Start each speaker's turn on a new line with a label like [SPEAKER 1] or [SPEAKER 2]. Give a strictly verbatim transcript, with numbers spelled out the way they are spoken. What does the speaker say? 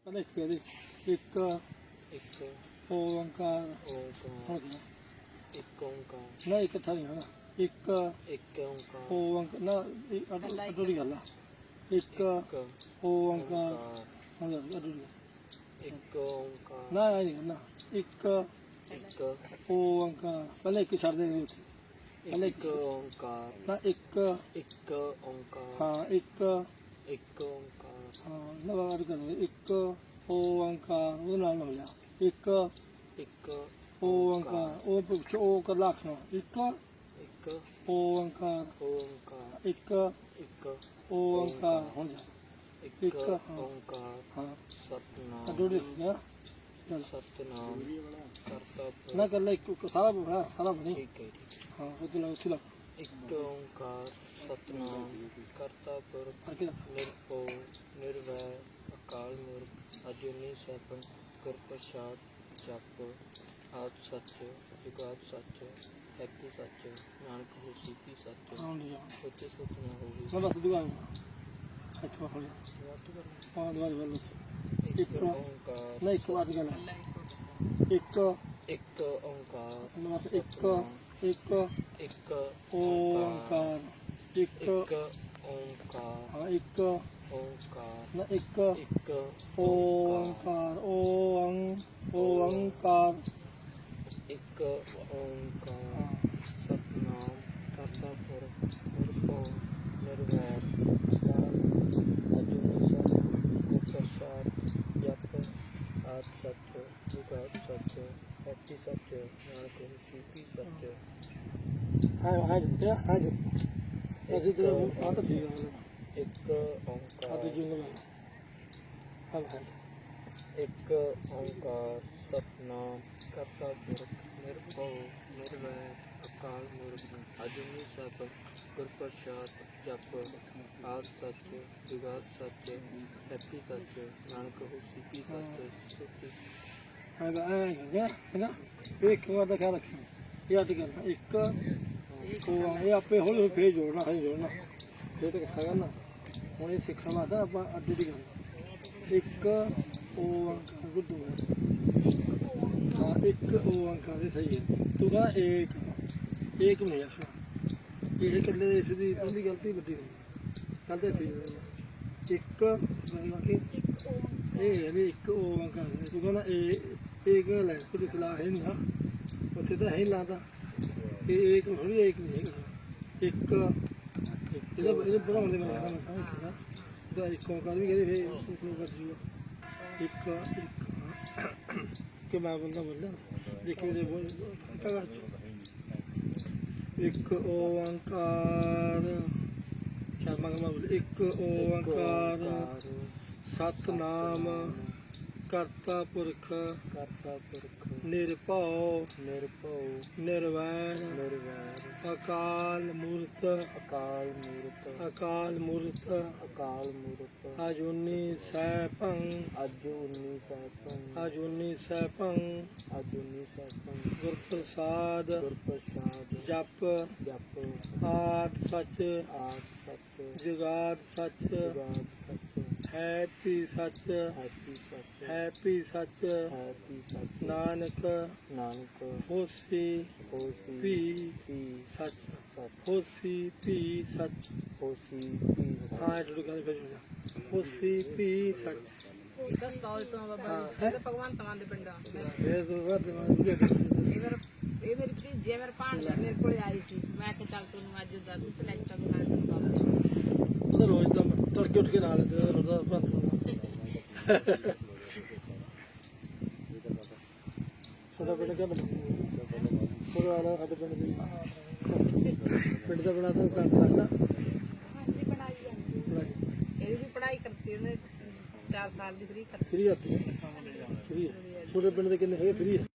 [SPEAKER 1] ਪਹਿਲਾਂ ਇੱਕ ਇਹਦੇ ਇੱਕ
[SPEAKER 2] ਇੱਕ
[SPEAKER 1] ਓੰਕਾਰ
[SPEAKER 2] ਓੰਕਾਰ
[SPEAKER 1] ਹੋ ਗਿਆ
[SPEAKER 2] ਇੱਕ ਓੰਕਾਰ
[SPEAKER 1] ਨਾ ਇੱਕ ਥਾਂ ਨਹੀਂ ਹੋਣਾ ਇੱਕ
[SPEAKER 2] ਇੱਕ ਓੰਕਾਰ
[SPEAKER 1] ਓੰਕਾਰ ਨਾ ਅਡੋਰੀ ਗੱਲ ਆ ਇੱਕ
[SPEAKER 2] ਇੱਕ
[SPEAKER 1] ਓੰਕਾਰ
[SPEAKER 2] ਓੰਕਾਰ
[SPEAKER 1] ਹੋ ਗਿਆ ਅਡੋਰੀ
[SPEAKER 2] ਇੱਕ ਓੰਕਾਰ
[SPEAKER 1] ਨਾ ਇਹ ਨਹੀਂ ਨਾ ਇੱਕ
[SPEAKER 2] ਇੱਕ
[SPEAKER 1] ਓੰਕਾਰ ਪਹਿਲਾਂ ਇੱਕ ਛੱਡ ਦੇ ਉੱਥੇ ਪਹਿਲਾਂ
[SPEAKER 2] ਇੱਕ ਓੰਕਾਰ
[SPEAKER 1] ਨਾ ਇੱਕ
[SPEAKER 2] ਇੱਕ ਓੰਕਾਰ
[SPEAKER 1] ਹਾਂ ਇੱਕ
[SPEAKER 2] ਇੱਕ ਓੰਕਾਰ
[SPEAKER 1] ਹਾਂ ਨਵਾਂ ਕਰ ਇੱਕ ਓੰਕਾਰ ਉਹਦੇ ਨਾਲ ਨਾ ਮਿਲਿਆ ਇੱਕ
[SPEAKER 2] ਇੱਕ
[SPEAKER 1] ਓੰਕਾਰ ਉਹ ਪੁੱਛ ਉਹ ਕਰ ਲੱਖਣਾ ਇੱਕ
[SPEAKER 2] ਇੱਕ
[SPEAKER 1] ਓੰਕਾਰ
[SPEAKER 2] ਓੰਕਾਰ
[SPEAKER 1] ਇੱਕ
[SPEAKER 2] ਇੱਕ
[SPEAKER 1] ਓੰਕਾਰ ਹੁਣ ਜਾ
[SPEAKER 2] ਇੱਕ
[SPEAKER 1] ਇੱਕ, ਹਾਂ।
[SPEAKER 2] ਓੰਕਾਰ
[SPEAKER 1] ਹਾਂ
[SPEAKER 2] ਸਤਨਾਮ
[SPEAKER 1] ਅਡੋਰੀ ਨਾ ਚੱਲ
[SPEAKER 2] ਸਤਨਾਮ ਕਰਤਾ
[SPEAKER 1] ਨਾ ਕਰ ਲੈ ਇੱਕ ਸਾਰਾ ਬਣਾ ਸਾਰਾ ਬਣੀ
[SPEAKER 2] ਠੀਕ ਹੈ ਜੀ।
[SPEAKER 1] ਹਾਂ ਉੱਥੇ ਲੱਗ ਉੱਥੇ ਲੱਗ
[SPEAKER 2] ਇੱਕ ਓੰਕਾਰ ਸਤਨਾਮ ਕਰਤਾ ਪੁਰਖ
[SPEAKER 1] ਫੜ ਕੇ ਰੱਖ।
[SPEAKER 2] ਨਿਰਭਉ ਨਿਰਵੈਰ ਅਕਾਲ ਮੂਰਤ ਅਜੂਨੀ ਸੈਭੰ ਗੁਰ ਪ੍ਰਸਾਦ ਜਪ ਆਦ ਸੱਚ ਜੁਗਾਦ ਸੱਚ ਹੈਪੀ ਸੱਚ ਨਾਨਕ ਹੋਸੀ ਕੀ ਸੱਚ
[SPEAKER 1] ਹਾਂ ਜੀ
[SPEAKER 2] ਸੋਚੇ ਸੋਚ ਨਾ ਹੋਵੇ
[SPEAKER 1] ਮੈਂ ਬਸ ਦੁਆ ਇੱਥੋਂ ਹੋ ਜਾ
[SPEAKER 2] ਵਾਟ ਕਰਨਾ
[SPEAKER 1] ਹਾਂ ਦੁਆ ਦੁਆ
[SPEAKER 2] ਇੱਕ
[SPEAKER 1] ਇੱਕ
[SPEAKER 2] ਓੰਕਾਰ
[SPEAKER 1] ਨਹੀਂ ਇੱਕ ਵਾਰ ਗੱਲ ਇੱਕ
[SPEAKER 2] ਇੱਕ ਓੰਕਾਰ
[SPEAKER 1] ਬਸ ਇੱਕ ਇੱਕ
[SPEAKER 2] ਇੱਕ
[SPEAKER 1] ਓੰਕਾਰ ਇੱਕ
[SPEAKER 2] ਇੱਕ ਓੰਕਾਰ
[SPEAKER 1] ਹਾਂ ਇੱਕ
[SPEAKER 2] ਓੰਕਾਰ
[SPEAKER 1] ਨਾ ਇੱਕ
[SPEAKER 2] ਇੱਕ
[SPEAKER 1] ਓੰਕਾਰ ਓੰ ਓੰਕਾਰ
[SPEAKER 2] ਇੱਕ ਓੰਕਾਰ ਸਤਨਾਮ ਕਰਤਾ ਪੁਰਖ ਨਿਰਭਉ ਨਿਰਵੈਰ ਅਜੂਨੀ ਸੈਭੰ ਗੁਰ ਪ੍ਰਸਾਦ ਜਪ ਆਦ ਸੱਚ ਜੁਗਾਦ ਸੱਚ ਹੈਪੀ ਸੱਚ ਨਾਨਕ ਹੋਸੀ ਕੀ ਸੱਚ
[SPEAKER 1] ਹਾਂ ਹਾਂ ਜੀ ਹਾਂ ਜੀ ਅਸੀਂ ਤੇ ਆ ਤਾਂ ਠੀਕ ਹੈ
[SPEAKER 2] ਇੱਕ
[SPEAKER 1] ਆ
[SPEAKER 2] ਓੰਕਾਰ
[SPEAKER 1] ਤੇ ਜਿੰਗ ਲਾ ਹਾਂ ਹਾਂ
[SPEAKER 2] ਇੱਕ ਓੰਕਾਰ ਸਤਨਾਮ ਕਰਤਾ ਪੁਰਖ ਨਿਰਭਉ ਨਿਰਵੈਰ ਅਕਾਲ ਮੂਰਤ ਅਜੂਨੀ ਸੈਭੰ ਗੁਰ ਪ੍ਰਸਾਦ ਜਪ ਆਦ ਸੱਚ ਜੁਗਾਦ ਸੱਚ ਹੈਪੀ ਸੱਚ ਨਾਨਕ ਹੋਸੀ ਕੀ ਸੱਚ ਸੋਚੀ
[SPEAKER 1] ਹਾਂ ਹਾਂ ਹੈ ਨਾ ਇੱਕ ਵਾਰ ਦਾ ਖਿਆਲ ਰੱਖੀ ਇਹ ਅੱਜ ਕਰਨਾ ਇੱਕ ਉਹ ਇਹ ਆਪੇ ਹੌਲੀ ਹੌਲੀ ਫੇਰ ਜੋੜਨਾ ਹੈ ਜੋੜਨਾ ਫੇਰ ਤਾਂ ਇਕੱਠਾ ਕਰਨਾ ਹੁਣ ਇਹ ਸਿੱਖਣ ਵਾਸਤੇ ਆਪਾਂ ਅੱਡੀ ਦੀ ਗੱਲ ਇੱਕ ਓੰਕਾਰ ਗੁੱਡੂ ਹਾਂ ਇੱਕ ਓੰਕਾਰ ਇਹ ਸਹੀ ਹੈ ਤੂੰ ਕਹਿੰਦਾ ਏਕ ਏਕ ਨਹੀਂ ਆਖਣਾ ਇਹ ਇਕੱਲੇ ਇਸ ਦੀ ਪਹਿਲੀ ਗਲਤੀ ਵੱਡੀ ਹੁੰਦੀ ਕੱਲ ਤੇ ਠੀਕ ਹੈ ਇੱਕ ਬਾਕੀ ਇਹ ਹੈ ਨਹੀਂ ਇੱਕ ਓੰਕਾਰ ਤੂੰ ਕਹਿੰਦਾ ਇਹ ਇੱਕ ਲੈ ਕੋਈ ਸਲਾਹ ਹੈ ਨਹੀਂ ਨਾ ਉੱਥੇ ਤਾਂ ਹੈ ਹੀ ਲਾਦਾ ਇਹ ਇੱਕ ਥੋੜੀ ਇੱਕ ਨਹੀਂ ਹੈਗਾ ਇੱਕ ਇਹਦਾ ਇਹਦੇ ਬਣਾਉਣ ਦੇ ਮੈਂ ਕਹਿੰਦਾ ਇਹਦਾ ਇੱਕ ਓੰਕਾਰ ਵੀ ਕਹਿੰਦੇ ਫੇਰ ਉਸ ਨੂੰ ਕਰ ਜੂਗਾ ਇੱਕ ਇੱਕ ਕਿ ਮੈਂ ਬੰਦਾ ਬੋਲਦਾ ਦੇਖੀ ਉਹਦੇ ਬੋਲ ਕਗਾ ਇੱਕ ਓੰਕਾਰ ਸ਼ਰਮਾ ਕਮਾ ਬੋਲ ਇੱਕ ਓੰਕਾਰ ਸਤਨਾਮ ਕਰਤਾ ਪੁਰਖ
[SPEAKER 2] ਕਰਤਾ ਪੁਰਖ
[SPEAKER 1] ਨਿਰਭਉ
[SPEAKER 2] ਨਿਰਭਉ
[SPEAKER 1] ਨਿਰਵੈਰ
[SPEAKER 2] ਨਿਰਵੈਰ
[SPEAKER 1] ਅਕਾਲ ਮੂਰਤ
[SPEAKER 2] ਅਕਾਲ ਮੂਰਤ
[SPEAKER 1] ਅਕਾਲ ਮੂਰਤ
[SPEAKER 2] ਅਕਾਲ ਮੂਰਤ
[SPEAKER 1] ਅਜੂਨੀ ਸੈਭੰ
[SPEAKER 2] ਅਜੂਨੀ ਸੈਭੰ
[SPEAKER 1] ਅਜੂਨੀ ਸੈਭੰ
[SPEAKER 2] ਅਜੂਨੀ ਸੈਭੰ
[SPEAKER 1] ਗੁਰ ਪ੍ਰਸਾਦ
[SPEAKER 2] ਗੁਰ ਪ੍ਰਸਾਦ
[SPEAKER 1] ਜਪ
[SPEAKER 2] ਜਪ
[SPEAKER 1] ਆਦ ਸੱਚ
[SPEAKER 2] ਆਦ ਸੱਚ
[SPEAKER 1] ਜੁਗਾਦ ਸੱਚ
[SPEAKER 2] ਜੁਗਾਦ ਸੱਚ
[SPEAKER 1] ਹੈਪੀ ਸੱਚ
[SPEAKER 2] ਹੈਪੀ ਸੱਚ
[SPEAKER 1] ਹੈਪੀ ਸੱਚ
[SPEAKER 2] ਹੈਪੀ ਸੱਚ
[SPEAKER 1] ਨਾਨਕ
[SPEAKER 2] ਨਾਨਕ
[SPEAKER 1] ਹੋਸੀ
[SPEAKER 2] ਹੋਸੀ
[SPEAKER 1] ਭੀ
[SPEAKER 2] ਪੀ
[SPEAKER 1] ਸੱਚ
[SPEAKER 2] ਸੱਚ
[SPEAKER 1] ਹੋਸੀ ਭੀ ਸੱਚ
[SPEAKER 2] ਹੋਸੀ ਪੀ ਸੱਚ
[SPEAKER 1] ਹਾਂ ਇਹ ਗੱਲ ਫਿਰ ਹੋਸੀ ਭੀ ਸੱਚ
[SPEAKER 3] ਦਸ ਸਾਲ ਤੋਂ ਬਾਬਾ ਜੀ ਇਹ ਤਾਂ ਭਗਵੰਤ ਮਾਨ ਦੇ ਪਿੰਡ ਆ
[SPEAKER 1] ਇਹ ਤੋਂ ਵੱਧ ਮੈਂ
[SPEAKER 3] ਇਹ ਮੇਰਾ ਇਹ ਮੇਰੀ ਧੀ ਜੇ ਮੇਰੇ ਭਾਣਜਾ ਮੇਰੇ ਕੋਲੇ ਆਈ ਸੀ ਮੈਂ ਕਿ ਚੱਲ ਤੁਹਾਨੂੰ ਅੱਜ ਦੱਸ ਤੇ ਲੈ ਕੇ ਮੈਂ ਤੁਹਾਨੂੰ ਬਾਬਾ
[SPEAKER 1] ਉਹਦਾ ਰੋਜ਼ ਦਾ ਤੜਕੇ ਉੱਠ ਕੇ ਨਾਲ ਤੇ ਉਹਦਾ ਭੰਤ ਸਾਡਾ ਪਿੰਡ ਕਿਆ ਬਣਾ ਪੂਰਾ ਵਾਲਾ ਸਾਡੇ ਪਿੰਡ ਦੀ ਪਿੰਡ ਦਾ ਬਣਾ ਤਾਂ ਕਰ ਸਕਦਾ
[SPEAKER 3] ਹਾਂਜੀ ਪੜਾਈ ਜਾਂਦੀ ਇਹਦੀ ਵੀ ਪੜਾਈ ਕਰਤੀ ਉਹਨੇ ਚਾਰ ਸਾਲ ਦੀ ਫਰੀ ਕਰਤੀ
[SPEAKER 1] ਫਰੀ ਆਤੀ ਹੈ ਫਰੀ ਹੈ ਛੋਟੇ ਪਿੰਡ ਦੇ ਕਿੰਨੇ ਹੈਗੇ ਫਰੀ ਹੈ